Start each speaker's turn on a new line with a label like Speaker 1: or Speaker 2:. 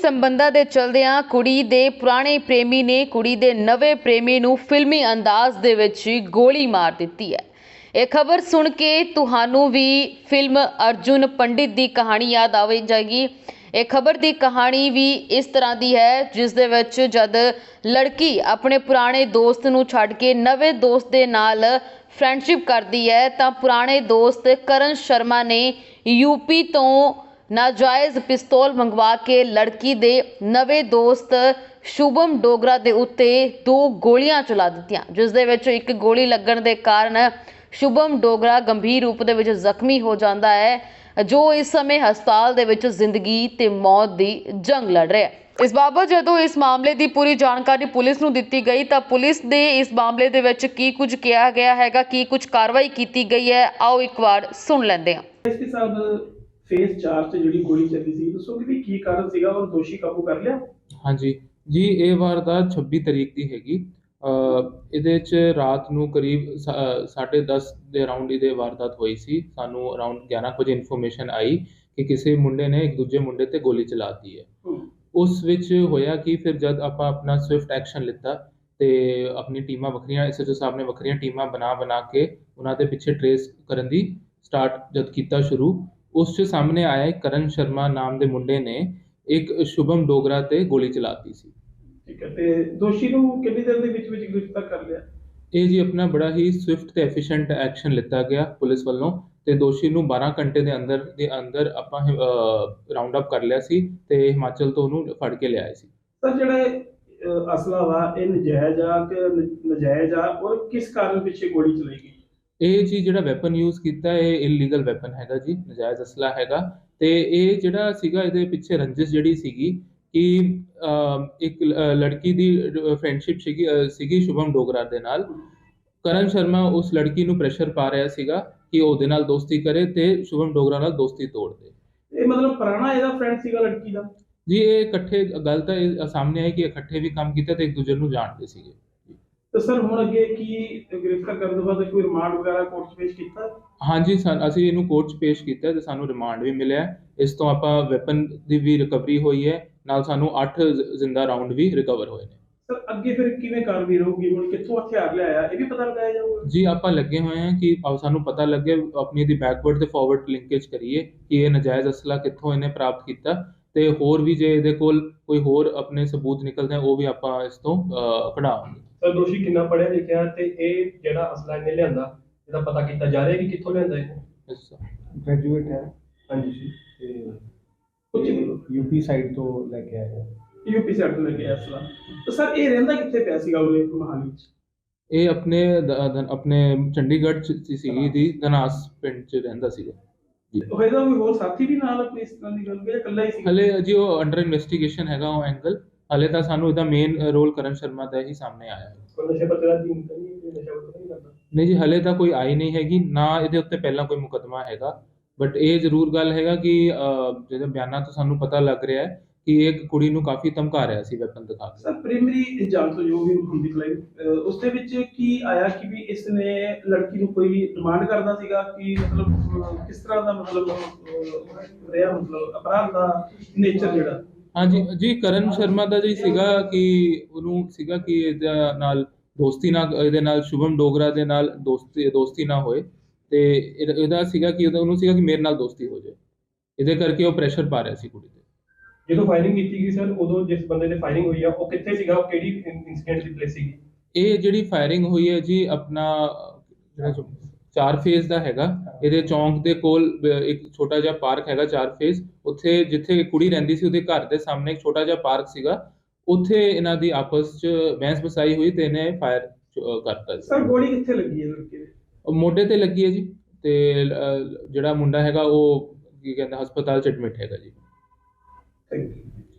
Speaker 1: ਸੰਬੰਧਾਂ ਦੇ ਚਲਦਿਆਂ ਕੁੜੀ ਦੇ ਪੁਰਾਣੇ ਪ੍ਰੇਮੀ ਨੇ ਕੁੜੀ ਦੇ ਨਵੇਂ ਪ੍ਰੇਮੀ ਨੂੰ ਫਿਲਮੀ ਅੰਦਾਜ਼ ਦੇ ਵਿੱਚ ਗੋਲੀ ਮਾਰ ਦਿੱਤੀ ਹੈ। ਇਹ ਖਬਰ ਸੁਣ ਕੇ ਤੁਹਾਨੂੰ ਵੀ ਫਿਲਮ ਅਰਜੁਨ ਪੰਡਿਤ ਦੀ ਕਹਾਣੀ ਯਾਦ ਆਵੇ ਜਾਏਗੀ। ਇਹ ਖਬਰ ਦੀ ਕਹਾਣੀ ਵੀ ਇਸ ਤਰ੍ਹਾਂ ਦੀ ਹੈ, ਜਿਸ ਦੇ ਵਿੱਚ ਜਦ ਲੜਕੀ ਆਪਣੇ ਪੁਰਾਣੇ ਦੋਸਤ ਨੂੰ ਛੱਡ ਕੇ ਨਵੇਂ ਦੋਸਤ ਦੇ ਨਾਲ ਫਰੈਂਡਸ਼ਿਪ ਕਰਦੀ ਹੈ ਤਾਂ ਪੁਰਾਣੇ ਦੋਸਤ ਕਰਨ ਸ਼ਰਮਾ ਨੇ यूपी तो नाजायज़ पिस्तौल मंगवा के लड़की दे नवे दोस्त शुभम डोगरा दे उत्ते 2 गोलियां चला दित्तियां, जिस दे विच एक गोली लगन दे कारण शुभम डोगरा गंभीर रूप दे विच जख्मी हो जाता है, जो इस समय हस्पताल दे विच जिंदगी ते मौत दी जंग लड़ रहा है। इस बाबत जदों इस मामले की पूरी जानकारी पुलिस नूं दित्ती गई तो पुलिस ने इस मामले दे विच की कुछ किया गया हैगा, की कुछ कार्रवाई की गई है, आओ एक बार सुन लैंदे हां।
Speaker 2: इसके साथ फेज 4 से जी गोली चली थी, दसोगे भी की कारण सीगा और दोषी काबू कर लिया? हाँ
Speaker 3: जी जी, ये वारदात 26 तरीक की हैगी। ਇਹਦੇ 'ਚ ਰਾਤ ਨੂੰ ਕਰੀਬ 10:30 ਦੇ ਅਰਾਊਂਡ ਇਹਦੇ ਵਾਰਦਾਤ ਹੋਈ ਸੀ। ਸਾਨੂੰ ਅਰਾਊਂਡ 11 ਵਜੇ ਇਨਫੋਰਮੇਸ਼ਨ ਆਈ ਕਿ ਕਿਸੇ ਮੁੰਡੇ ਨੇ ਇੱਕ ਦੂਜੇ ਮੁੰਡੇ ਤੇ ਗੋਲੀ ਚਲਾਤੀ ਹੈ। ਉਸ ਵਿੱਚ ਹੋਇਆ ਕਿ ਫਿਰ ਜਦ ਆਪਾਂ ਆਪਣਾ ਸਵਿਫਟ ਐਕਸ਼ਨ ਲਿੱਤਾ ਤੇ ਆਪਣੀ ਟੀਮਾਂ ਵੱਖਰੀਆਂ ਐਸਐਚਓ ਸਾਹਿਬ ਨੇ ਵੱਖਰੀਆਂ ਟੀਮਾਂ ਬਣਾ ਕੇ ਉਹਨਾਂ ਦੇ ਪਿੱਛੇ ਟਰੇਸ ਕਰਨ ਦੀ ਸਟਾਰਟ ਜਦ ਕੀਤਾ ਸ਼ੁਰੂ, ਉਸ 'ਚ ਸਾਹਮਣੇ ਆਇਆ ਕਰਨ ਸ਼ਰਮਾ ਨਾਮ ਦੇ ਮੁੰਡੇ ਨੇ ਇੱਕ ਸ਼ੁਭਮ ਡੋਗਰਾ ਤੇ ਗੋਲੀ ਚਲਾਤੀ ਸੀ।
Speaker 2: ਠੀਕ ਹੈ, ਤੇ ਦੋਸ਼ੀ ਨੂੰ ਕਿੰਨੀ ਦੇਰ ਦੇ ਵਿੱਚ ਗ੍ਰਿਫਤਾਰ ਕਰ ਲਿਆ? ਇਹ
Speaker 3: ਜੀ ਆਪਣਾ ਬੜਾ ਹੀ ਸਵਿਫਟ ਤੇ ਐਫੀਸ਼ੀਐਂਟ ਐਕਸ਼ਨ ਲਿੱਤਾ ਗਿਆ ਪੁਲਿਸ ਵੱਲੋਂ ਤੇ ਦੋਸ਼ੀ ਨੂੰ 12 ਘੰਟੇ ਦੇ ਅੰਦਰ ਆਪਾਂ ਰਾਉਂਡ ਅਪ ਕਰ ਲਿਆ ਸੀ ਤੇ ਹਿਮਾਚਲ ਤੋਂ ਉਹਨੂੰ ਫੜ ਕੇ ਲਿਆਏ ਸੀ।
Speaker 2: ਸਰ, ਜਿਹੜਾ ਅਸਲਾ ਵਾ ਇਹ ਨਜਾਇਜ਼ ਆ ਕਿ ਨਜਾਇਜ਼ ਆ ਔਰ ਕਿਸ ਕਾਰਨ ਪਿੱਛੇ ਗੋਲੀ ਚਲਾਈ ਗਈ?
Speaker 3: ਇਹ ਜੀ ਜਿਹੜਾ ਵੈਪਨ ਯੂਜ਼ ਕੀਤਾ ਇਹ ਇਲੀਗਲ ਵੈਪਨ ਹੈਗਾ ਜੀ, ਨਜਾਇਜ਼ ਅਸਲਾ ਹੈਗਾ ਤੇ ਇਹ ਜਿਹੜਾ ਸੀਗਾ ਇਹਦੇ ਪਿੱਛੇ ਰੰਜਿਸ਼ ਜਿਹੜੀ ਸੀਗੀ ਕਿ ਇੱਕ ਲੜਕੀ ਦੀ ਫਰੈਂਡਸ਼ਿਪ ਸੀਗੀ ਸ਼ੁਭਮ ਡੋਗਰਾ ਦੇ ਨਾਲ। ਕਰਨ ਸ਼ਰਮਾ ਉਸ ਲੜਕੀ ਨੂੰ ਪ੍ਰੈਸ਼ਰ ਪਾ ਰਿਹਾ ਸੀਗਾ ਕਿ ਉਹਦੇ ਨਾਲ ਦੋਸਤੀ ਕਰੇ ਤੇ ਸ਼ੁਭਮ ਡੋਗਰਾ ਨਾਲ ਦੋਸਤੀ ਤੋੜ ਦੇ।
Speaker 2: ਇਹ ਮਤਲਬ ਪੁਰਾਣਾ ਇਹਦਾ ਫਰੈਂਡ ਸੀਗਾ ਲੜਕੀ ਦਾ?
Speaker 3: ਜੀ ਇਹ ਇਕੱਠੇ ਗੱਲ ਤਾਂ ਇਹ ਸਾਹਮਣੇ ਆਈ ਕਿ ਇਕੱਠੇ ਵੀ ਕੰਮ ਕੀਤਾ ਤੇ ਇੱਕ ਦੂਜੇ ਨੂੰ ਜਾਣਦੇ ਸੀਗੇ।
Speaker 2: तो सर ਹੁਣ ਅੱਗੇ ਕੀ ਗ੍ਰਿਫਤਾਰ ਕਰਨ ਤੋਂ ਬਾਅਦ ਕੋਈ ਰਿਮਾਂਡ ਵਗੈਰਾ ਕੋਰਟ 'ਚ ਪੇਸ਼ ਕੀਤਾ?
Speaker 3: ਹਾਂਜੀ ਅਸੀਂ ਇਹਨੂੰ ਕੋਰਟ 'ਚ ਪੇਸ਼ ਕੀਤਾ ਤੇ ਸਾਨੂੰ ਰਿਮਾਂਡ ਵੀ ਮਿਲਿਆ। ਇਸ ਤੋਂ ਆਪਾਂ ਵੈਪਨ ਦੀ ਵੀ ਰਿਕਵਰੀ ਹੋਈ ਹੈ, ਨਾਲ ਸਾਨੂੰ 8 ਜ਼ਿੰਦਾ ਰਾਉਂਡ ਵੀ ਰਿਕਵਰ ਹੋਏ ਨੇ।
Speaker 2: ਸਰ ਅੱਗੇ ਫਿਰ ਕਿਵੇਂ ਕਾਰਵਾਈ ਰਹੂਗੀ? ਹੁਣ ਕਿੱਥੋਂ ਹਥਿਆਰ ਲਿਆਇਆ ਇਹ ਵੀ ਪਤਾ ਲਗਾਇਆ ਜਾਊਗਾ?
Speaker 3: ਜੀ ਆਪਾਂ ਲੱਗੇ ਹੋਏ ਹਾਂ ਕਿ ਸਾਨੂੰ ਪਤਾ ਲੱਗੇ, ਆਪਣੀ ਦੀ ਬੈਕਵਰਡ ਤੇ ਫਾਰਵਰਡ ਲਿੰਕੇਜ ਕਰੀਏ ਕਿ ਇਹ ਨਜਾਇਜ਼ ਅਸਲਾ ਕਿੱਥੋਂ ਇਹਨੇ ਪ੍ਰਾਪਤ ਕੀਤਾ ਤੇ ਹੋਰ ਵੀ ਜੇ ਇਹਦੇ ਕੋਲ ਕੋਈ ਹੋਰ ਆਪਣੇ ਸਬੂਤ ਨਿਕਲਦੇ ਉਹ ਵੀ ਆਪਾਂ ਇਸ ਤੋਂ ਕਢਾਵਾਂਗੇ।
Speaker 2: ਸਰ ਦੋਸ਼ੀ ਕਿੰਨਾ ਪੜ੍ਹਿਆ ਲਿਖਿਆ ਤੇ ਇਹ ਜਿਹੜਾ ਅਸਲਾ ਇਹਨੇ ਲਿਆਂਦਾ ਇਹਦਾ ਪਤਾ ਕੀਤਾ ਜਾ ਰਿਹਾ ਕਿ ਕਿੱਥੋਂ ਲਿਆਂਦਾ ਇਹ?
Speaker 4: ਗ੍ਰੈਜੂਏਟ ਹੈ।
Speaker 2: ਹਾਂਜੀ ਜੀ,
Speaker 4: ਤੇ ਯੂਪੀ ਸਾਈਡ ਤੋਂ ਲੈ ਕੇ ਆਇਆ।
Speaker 2: ਯੂਪੀ ਸਾਈਡ ਤੋਂ ਲੈ ਕੇ ਆਇਆ ਅਸਲਾ। ਤਾਂ ਸਰ ਇਹ ਰਹਿੰਦਾ ਕਿੱਥੇ ਪਿਆ ਸੀਗਾ ਉਰੇ ਮੋਹਾਲੀ 'ਚ?
Speaker 3: ਇਹ ਆਪਣੇ ਚੰਡੀਗੜ੍ਹ 'ਚ ਸੀਗੀ ਦੀ ਧਨਾਸ ਪਿੰਡ 'ਚ ਰਹਿੰਦਾ ਸੀਗਾ ਜੀ।
Speaker 2: ਹੋਏਗਾ ਕੋਈ ਹੋਰ ਸਾਥੀ ਵੀ ਨਾਲ ਆਪਣੀ ਇਸ ਤਰ੍ਹਾਂ ਦੀ ਗੱਲ ਜਾਂ ਇਕੱਲਾ ਹੀ ਸੀ?
Speaker 3: ਹਲੇ ਜੀ ਉਹ ਅੰਡਰ ਇਨਵੈਸਟੀਗੇਸ਼ਨ ਹੈਗਾ ਉਹ ਐਂਗਲ। ਹਲੇ ਤਾਂ ਸਾਨੂੰ ਇਹਦਾ ਮੇਨ ਰੋਲ ਕਰਨ ਸ਼ਰਮਾ ਦਾ ਹੀ ਸਾਹਮਣੇ ਆਇਆ ਹੈ।
Speaker 2: ਨਸ਼ੇ ਪੱਤੇ ਦਾ ਨਹੀਂ ਨਸ਼ਾ ਪੱਤਾ ਨਹੀਂ ਕਰਦਾ?
Speaker 3: ਨਹੀਂ ਜੀ, ਹਲੇ ਤਾਂ ਕੋਈ ਆਈ ਨਹੀਂ ਹੈਗੀ, ਨਾ ਇਹਦੇ ਉੱਤੇ ਪਹਿਲਾਂ ਕੋਈ ਮੁਕੱਦਮਾ ਹੈਗਾ। ਬਟ ਇਹ ਜ਼ਰੂਰ ਗੱਲ ਹੈਗਾ ਕਿ ਜਿਹਦੇ ਬਿਆਨਾਂ ਤੋਂ ਸਾਨੂੰ ਪਤਾ ਲੱਗ ਰਿਹਾ ਹੈ ਕਿ ਇੱਕ ਕੁੜੀ ਨੂੰ ਕਾਫੀ ਧਮਕਾ ਰਿਹਾ ਸੀ ਵੈਪਨ ਦਿਖਾ ਕੇ।
Speaker 2: ਸਰ ਪ੍ਰਾਇਮਰੀ ਜਾਂਚ ਤੋਂ ਜੋ ਵੀ ਹੁੰਦੀ ਕਲਾਈ ਉਸ ਦੇ ਵਿੱਚ ਕੀ ਆਇਆ ਕਿ ਵੀ ਇਸ ਨੇ ਲੜਕੀ ਨੂੰ ਕੋਈ ਡਿਮਾਂਡ ਕਰਦਾ ਸੀਗਾ ਕਿ ਮਤਲਬ ਕਿਸ ਤਰ੍ਹਾਂ ਦਾ ਮਤਲਬ ਰਿਹਾ, ਮਤਲਬ ਅਪਰਾਧ ਦਾ ਨੇਚਰ ਜਿਹੜਾ?
Speaker 3: ਹਾਂਜੀ ਜੀ, ਕਰਨ ਸ਼ਰਮਾ ਦਾ ਜੀ ਸੀਗਾ ਕਿ ਉਹਨੂੰ ਸੀਗਾ ਕਿ ਇਹਦੇ ਨਾਲ ਸ਼ੁਭਮ ਡੋਗਰਾ ਦੇ ਨਾਲ ਦੋਸਤੀ ਨਾ ਹੋਏ ਤੇ ਇਹਦਾ ਸੀਗਾ ਕਿ ਉਹਨੂੰ ਸੀਗਾ ਕਿ ਮੇਰੇ ਨਾਲ ਦੋਸਤੀ ਹੋ ਜਾਏ, ਇਹਦੇ ਕਰਕੇ ਉਹ ਪ੍ਰੈਸ਼ਰ ਪਾ ਰਿਹਾ ਸੀ ਕੁੜੀ ਤੇ।
Speaker 2: ਜਦੋਂ ਫਾਇਰਿੰਗ ਕੀਤੀ ਗਈ ਸਰ ਉਦੋਂ ਜਿਸ ਬੰਦੇ ਤੇ ਫਾਇਰਿੰਗ ਹੋਈ ਆ ਉਹ ਕਿੱਥੇ ਸੀਗਾ, ਉਹ ਕਿਹੜੀ ਇਨਸੀਡੈਂਟ ਦੀ ਪਲੇਸ ਸੀਗੀ?
Speaker 3: ਇਹ ਜਿਹੜੀ ਫਾਇਰਿੰਗ ਹੋਈ ਹੈ ਜੀ ਆਪਣਾ ਜਿਹੜਾ 4 ਫੇਜ਼ ਦਾ ਹੈਗਾ। ਇਹਦੇ ਚੌਂਕ ਦੇ ਕੋਲ ਇੱਕ ਛੋਟਾ ਜਿਹਾ ਪਾਰਕ ਹੈਗਾ 4 ਫੇਜ਼, ਉੱਥੇ ਜਿੱਥੇ ਕੁੜੀ ਰਹਿੰਦੀ ਸੀ ਉਹਦੇ ਘਰ ਦੇ ਸਾਹਮਣੇ ਇੱਕ ਛੋਟਾ ਜਿਹਾ ਪਾਰਕ ਸੀਗਾ, ਉੱਥੇ ਇਹਨਾਂ ਦੀ ਆਪਸ 'ਚ ਬਹਿਸ ਬਸਾਈ ਹੋਈ ਤੇ ਇਹਨੇ ਫਾਇਰ ਕਰਤਾ।
Speaker 2: ਸਰ ਗੋਲੀ ਕਿੱਥੇ ਲੱਗੀ ਹੈ ਲੜਕੇ ਦੇ?
Speaker 3: ਮੋਢੇ ਤੇ ਲੱਗੀ ਹੈ ਜੀ ਤੇ ਜਿਹੜਾ ਮੁੰਡਾ ਹੈਗਾ ਉਹ ਕੀ ਕਹਿੰਦਾ ਹਸਪਤਾਲ 'ਚ ਐਡਮਿਟ ਹੈਗਾ ਜੀ।
Speaker 2: Thank you.